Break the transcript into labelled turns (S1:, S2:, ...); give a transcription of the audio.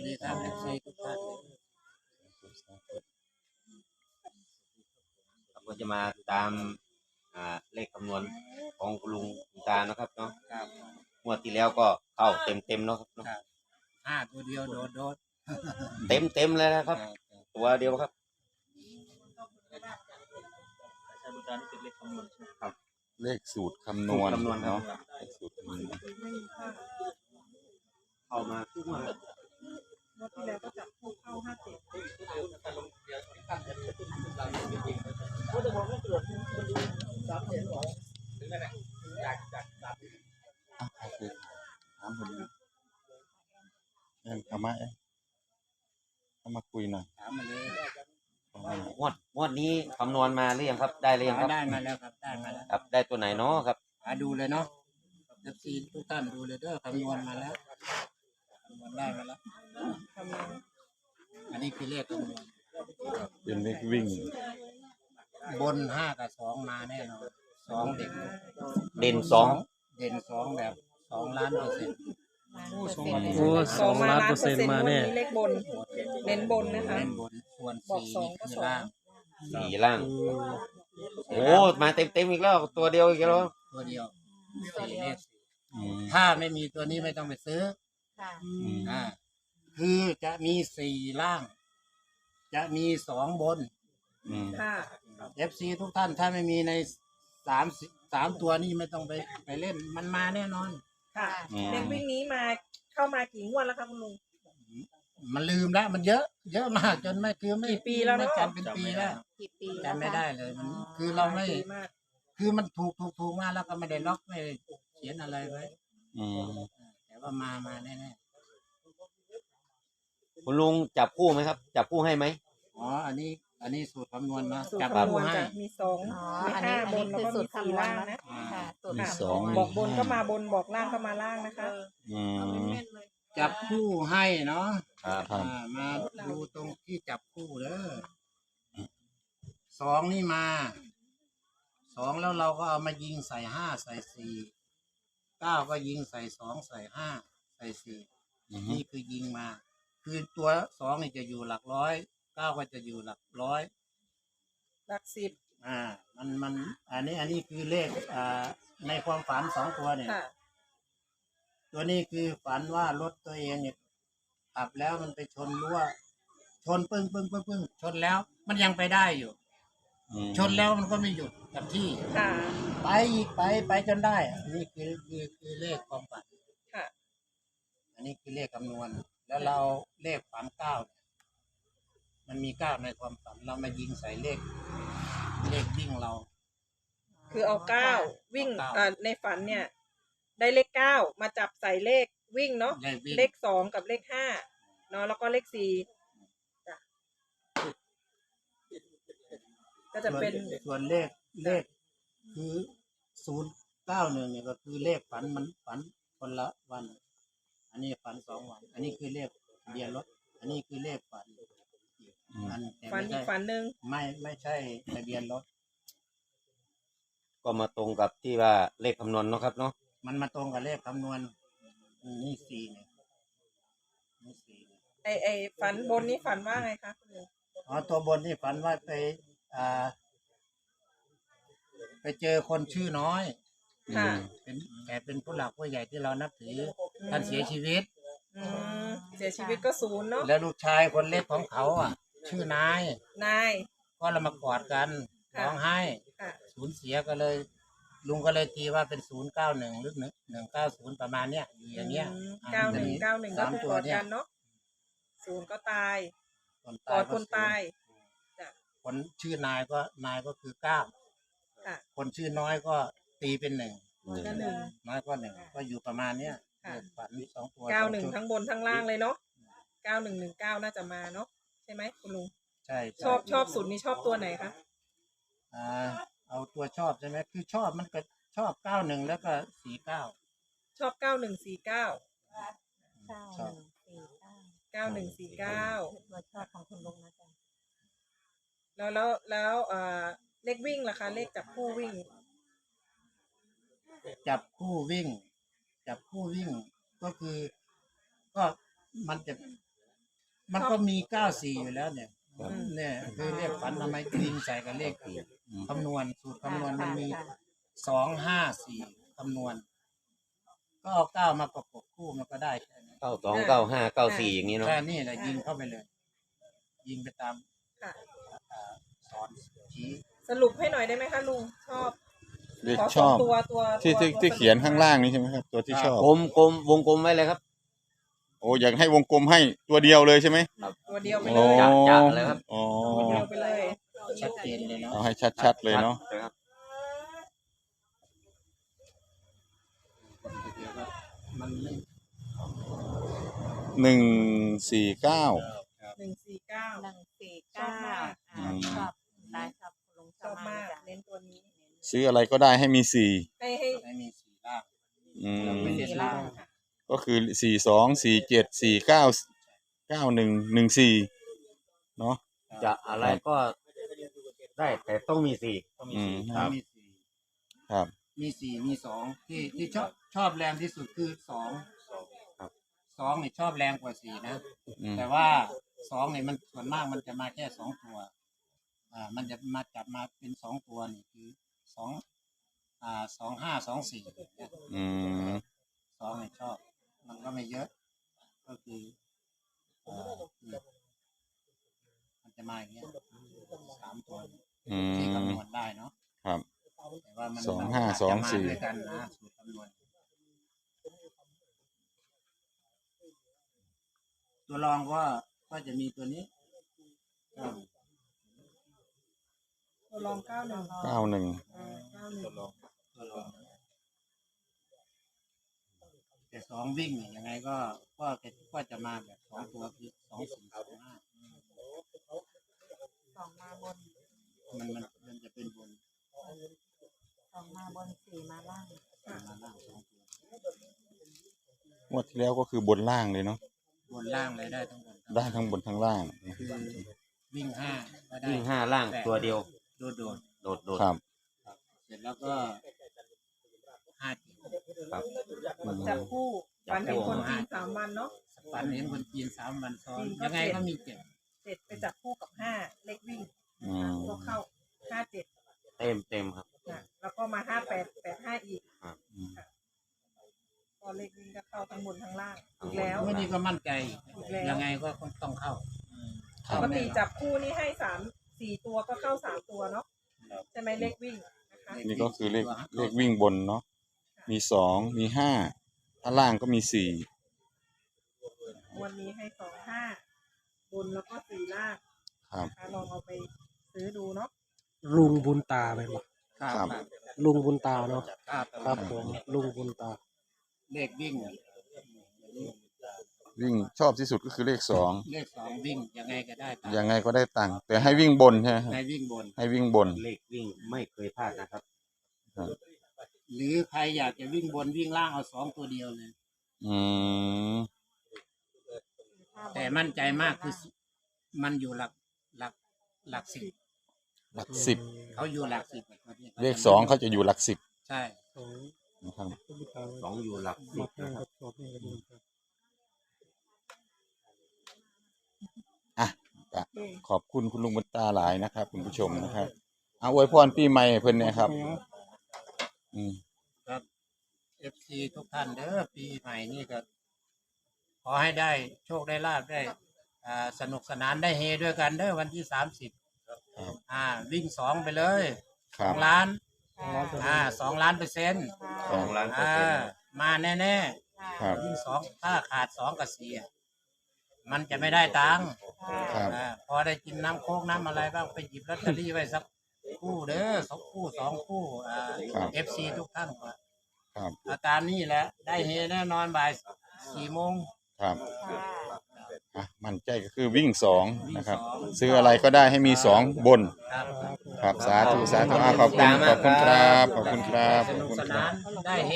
S1: ดีครับเอฟซีทุกท่าน
S2: เราก็จะมาตามเลขคำนวณของคุณลุงคุณตานะครับเนาะ
S1: ครับ
S2: งวดที่แล้วก็เข้าเต็มเนาะครับเนาะ
S1: ครับ5 ตัวเดียวโดด
S2: เต็มเลยนะครับ ตัวเดียวครับ
S3: เลขสูตรคำนวณ
S2: สูตรคำนวณ
S3: เนาะเลขสูตรคำนวณ
S2: เข้ามาทุกงวด
S4: งวดที่แล้วก็จับคู่เข้า57
S3: ใครคือถามผมเข้ามาเข้ามาคุยหน่อย
S1: ถามมาเลย
S2: งวดนี้คำนวณมาหรือยังครับ ได้หรือยังครับ
S1: ได้มาแล้วครับได้มาแล้ว
S2: ครับ ได้ตัวไหนเนาะครับ
S1: ดูเลยเนาะเอฟซีทุกท่านดูเลยเด้อคำนวณมาแล้วคำนวณได้มาแล้วอันนี้คือเลขคำนวณ
S3: เป็นเลขวิ่ง
S1: บน5 กับ 2มาแน่นอน2เด่น
S2: เด่นสอง
S1: เด่น2แบบ2,000,000%
S5: โอ้2,000,000%มาแน่
S4: มีเลขบน เน้นบนนะคะ
S1: เล่นบนส่วน
S4: บอก
S1: 4
S4: สอง
S1: นี่
S4: ก็
S1: คือ
S4: สอง
S1: ล่าง
S2: สี่ล่าง โอ้มาเต็มอีกแล้ว ตัวเดียวอีกแล้ว
S1: ตัวเดียว4เลข
S3: อืม
S1: ถ้าไม่มีตัวนี้ไม่ต้องไปซื้อ
S4: ค่ะ
S1: คือจะมี4ล่าง จะมี2บน
S4: ค่ะ
S1: FC ทุกท่านถ้าไม่มีใน3ตัวนี้ไม่ต้องไปเล่นมันมาแน่นอน
S4: ค่ะ เลขวิ่งนี้มาเข้ามากี่งวดแล้วคะคุณลุง
S1: มันลืมแล้วมันเยอะมากจนไม่คือไม่
S4: กี่ปีแล้วเนอะ
S1: ไม่จำเป็นปีแล้ว
S4: กี่ปี
S1: จำไม่ได้เลยมันคือเราไม่
S4: ดีมาก
S1: คือมันถูกมาแล้วก็ไม่ได้ล็อกไม่ได้เขียนอะไรไว้
S3: อืม
S1: แต่ว่ามาแน่
S2: คุณลุงจับคู่ไหมครับ จับคู่ให้ไหม
S1: ๆอ๋ออันนี้สูตรคำนวณนะ
S4: สูตร
S1: จับ
S4: คำนวณ
S1: ให้
S4: จะมีสอง
S6: อ๋อ
S4: มี
S6: อัน
S4: ห้า
S6: นี้
S4: บนแล้วก็มีสี่ล่างนะ
S6: ค่ะสูตร
S3: มี
S6: คำนวณ
S3: สอง
S4: บอกบนก็มาบนบอกล่างก็มาล่างนะคะ
S3: อืม
S1: จับคู่ให้เนาะ
S2: ครับ
S3: ครับ
S1: มาดูตรงที่จับคู่เด้อ2นี่มา2แล้วเราก็เอามายิงใส่5ใส่4 9ก็ยิงใส่2ใส่5ใส่4
S3: อืม
S1: นี่คือยิงมา คือตัว2นี่จะอยู่หลักร้อย9ก็จะอยู่หลักร้อย
S4: หลักสิบ
S1: มันอันนี้คือเลขในความฝัน2ตัวเนี่ย
S4: ค่ะ
S1: ตัวนี้คือฝันว่ารถตัวเองเนี่ยขับแล้วมันไปชนรั้วชนปึ้งชนแล้ว มันยังไปได้อยู่
S3: อืม
S1: ชนแล้วมันก็ไม่หยุดกับที่
S4: ค่ะ
S1: ไปอีกไปจนได้อันนี้คือเลขความฝัน
S4: ค่ะ
S1: อันนี้คือเลขคำนวณ แล้วเราเลขฝัน9เนี่ยมันมี9ในความฝันเรามายิงใส่เลขวิ่งเรา
S4: คือเอาเก้าวิ่ง
S1: เอาเก้า
S4: ในฝันเนี่ย ได้เลขเก้ามาจับใส่เลขวิ่งเนาะ
S1: เลขวิ่ง
S4: เลข2กับเลข5เนาะแล้วก็เลข4จ้ะก็จะเป็น
S1: ส่วนเลขคือ091เนี่ยก็คือเลขฝันมันฝันคนละวัน อันนี้ฝัน2 วัน อันนี้คือเลขทะเบียนรถ อันนี้คือเลขฝันอันแต่
S4: ฝัน
S1: ไม่
S4: อี
S1: ใช่
S4: กฝันหนึ่ง
S1: ไม่ใช่ทะเบียนรถ
S2: ก็มาตรงกับที่ว่าเลขคำนวณเนาะครับเนาะ
S1: มันมาตรงกับเลขคำนวณนี่4เนี่ยนี่4เนี่ย
S4: ไอฝันบนนี้ฝันว่าไงคะคุณลุง
S1: อ๋อตัวบนนี่ฝันว่าไปเจอคนชื่อน้อย
S4: ค่ะ
S1: แต่เป็นผู้หลักผู้ใหญ่ที่เรานับถือท่านเสียชีวิต
S4: อืมเสียชีวิตก็ศูนย์เนาะ
S1: แล้วลูกชายคนเล็กของเขาชื่อนาย
S4: นาย
S1: ก็เรามากอดกัน
S4: ค่ะ
S1: ร้องไห้
S4: ค่ะ
S1: สูญเสียก็เลย ลุงก็เลยตีว่าเป็น091หรือ190ประมาณเนี้ยอยู่อย่างเงี้ย
S4: 91ก็
S1: สาม
S4: คือก
S1: ตัว
S4: อด
S1: เนี่ย
S4: กันเนาะศูนย์ก็ตาย
S1: คน
S4: กอดคนตาย จ้ะ
S1: คนชื่อนายก็คือ9
S4: ค่ะ
S1: คนชื่อน้อยก็ตีเป็น1
S4: ก็หนึ่ง
S1: น้อยก็1ก็อยู่ประมาณเนี้ย
S4: ค่ะ
S1: ฝัน2ตัว
S4: 91ทั้งบนทั้งล่างเลยเนาะ9119น่าจะมาเนาะใช่ไหมคุณลุง
S1: ใช่
S4: ชอบสุดนี่ชอบตัวไหนคะ
S1: เอาตัวชอบใช่ไหมคือชอบมันก็ชอบ91แล้วก็49
S4: ชอบ9149
S6: เก้าห
S4: 9149
S6: นึ่งสี่เก้าตัวชอบของคุณลุงนะจ๊ะ
S4: แล้วเลขวิ่งล่ะคะ เลขจับคู่วิ่ง
S1: จับคู่วิ่งก็คือ ก็มันจะมันก็มี94อยู่แล้วเนี่ยเนี่ยคือเลขฝันทำไมยิงใส่กับเลขคำนวณสูตรคำนวณมันมี254คำนวณก็เอา9มาประกบคู่มันก็ได้แค่นี้
S2: 92 95 94อย่างนี้เนาะ
S1: แค่นี้แหละยิงเข้าไปเลย ยิงไปตาม
S4: ค่ะ
S1: สอนชี้
S4: สรุปให้หน่อยได้ไหมคะลุงชอบ
S3: เลข
S4: ขอ
S3: ช
S4: สอ
S3: อง บ
S4: ตัว
S3: ที่เขียนข้างล่างนี่ใช่ไหมครับ ตัวที่ชอบ
S2: กลมวงกลมไว้เลยครับ
S3: โอ้อยากให้วงกลมให้ตัวเดียวเลยใช่ไหม
S4: ตัวเดียวไป
S3: โอ้
S4: เลย
S2: จัดเลยครับ
S3: อ๋อ
S4: ตัวเดียวไปเลย
S1: ชัดเจนเลยเนาะ
S3: เอาให้ชัดๆเลยเนาะ
S2: ครับ
S1: มันไม่
S3: 149
S4: 149
S3: อืม
S6: ชอบได้ชอบคุณลุงช
S4: ช
S6: อ
S4: อ
S6: บบ มาม
S4: าก ก
S6: จ้ะ
S4: เน้นตัวนี้
S3: ซื้ออะไรก็ได้ให้มี4
S4: ให้
S1: ไม่มีสีล่าง
S3: อืม
S1: ไม่เน้นล่าง
S3: ก็คือ42 47 49 91 14เนาะ
S2: จะอะไรก็ได้แต่ต้องมีสี่
S3: อืม
S1: มีสี
S3: ครับ
S1: มีสี่มีสองที่ชอบแรงที่สุดคือสองสองนี่ชอบแรงกว่าสี่นะ
S3: อืม
S1: แต่ว่าสองนี่มันส่วนมากมันจะมาแค่2 ตัวมันจะมาจับมาเป็น2 ตัวนี่คือ2524เนี่ย
S3: อืม
S1: สองนี่ชอบ มันก็ไม่เยอะ ก็คือมันจะมาอย่างเงี้ย3 ตัว
S3: อื
S1: ที่
S3: ม
S1: คำนวณได้เนาะ
S3: ครับ
S1: แต่ว่ามัน
S3: 2524
S1: มันจะมาด้วยกันนะสูตรคำนวณตัวรองก็จะมีตัวนี้
S4: ตัวรอง91
S3: 91
S1: ตัวรองแต่สองวิ่งเนี่ยยังไงก็จะมาแบบ2 ตัวคือ2425
S6: สองมาบน
S1: มันจะเป็นบน
S6: สองมาบนสี่มาล่าง
S1: มาล่าง2 ตัว
S3: งวดที่แล้วก็คือบนล่างเลยเนาะ
S1: บนล่างเลยได้ทั้งบน
S3: ได้ทั้งบนทั้งล่าง
S1: คือวิ่ง5ก็ได้
S2: วิ่ง5ล่างตัวเดียว
S1: โดด
S2: โดด
S3: ครับ
S1: เสร็จแล้วก็5
S2: ครับ
S4: จับคู่วันเห็นคนจีน3 วันเนาะ
S1: ฝันเห็นคนจีน3 วันซ้อน
S4: จีนก็
S1: ยังไง
S4: 7
S1: ก็มี7
S4: 7ไปจับคู่กับ5เลขวิ่ง
S3: อืม
S4: ก็เข้า57
S2: เต็มครับ
S4: แล้วก็มา58 85อีก
S2: ครับ
S4: ค่ะก็เลขวิ่งก็เข้าทั้งบนทั้งล่างอีกแล้ว
S1: วันนี้ก็มั่นใจ
S4: อีกแล้ว
S1: ยังไงก็ต้องเข้า
S3: ครั
S4: ป
S3: บ
S4: กติจับคู่นี่ให้4 ตัวก็เข้า3 ตัวเนาะใช่ไหมเลขวิ่งนะคะ
S3: นี่ก็คือเลขวิ่งบนเนาะ มี2มี5ถ้าล่างก็มี4
S4: วันนี้ให้25บนแล้วก็4ล่าง
S3: ครับ
S4: นะคะลองเอาไปซื้อดูเนาะ
S5: ลุงบุญตาไปบ่
S3: ครับ
S5: ลุงบุญตาเนาะ
S1: ครับ
S5: ครับผมลุงบุญตา
S1: เลขวิ่ง
S3: วิ่งชอบที่สุดก็คือเลข
S1: เลข2วิ่งยังไงก็ได้
S3: 2ยังไงก็ได้ตังค์แต่ให้วิ่งบนใช่ไหมครับ
S1: ในวิ่งบน
S3: ให้วิ่งบน
S2: เลขวิ่งไม่เคยพลาดนะครับ
S1: หรือใครอยากจะวิ่งบนวิ่งล่างเอา2 ตัวเดียวเลย
S3: อืม
S1: แต่มั่นใจมากคือมันอยู่หลัก10
S3: หลัก10
S1: เขาอยู่หลัก10
S3: เลข2เขาจะอยู่หลัก10
S1: ใช่
S3: นะครับ
S2: 2อยู่หลักสิบนะครับ
S3: อ่ะก็ขอบคุณคุณลุงบุญตาหลายนะครับคุณผู้ชมนะครับเอาอวยพรปีใหม่ให้เพิ่นเนะครับ อืม
S1: ครับ FC ทุกท่านเด้อปีใหม่นี่ก็ขอให้ได้โชคได้ลาภได้สนุกสนานได้เฮด้วยกันเด้อวันที่30วิ่ง2ไปเลย
S3: ครับ
S1: 2 ล้าน
S6: ค่ะ
S1: 2 ล้านเปอร์เซ็นต์
S2: 2 ล้านเปอร์เซ็นต์
S1: มาแน่
S3: ครับ
S1: ๆวิ่ง2ถ้าขาด2กับ4มันจะไม่ได้ตังค์
S3: ครับ
S1: พอได้กินน้ำโค้กน้ำอะไรบ้างไปหยิบลอตเตอรี่ไว้สักคู่เด้อ2 คู่ 2 คู่FC ทุกท่านก็
S3: ครับ
S1: ตามนี้แหละได้เฮแน่นอนบ่าย4 โมง
S3: ครับ
S6: ค่ะ
S3: อ่ะมั่นใจก็คือวิ่ง2นะครับ
S1: วิ่ง
S3: ซื้ออะไรก็ได้ให้มี2บน
S1: ครับ
S3: ครับสาธุสาธุขอบคุณครับขอบคุณครับ
S1: สนุกสนานได้เฮ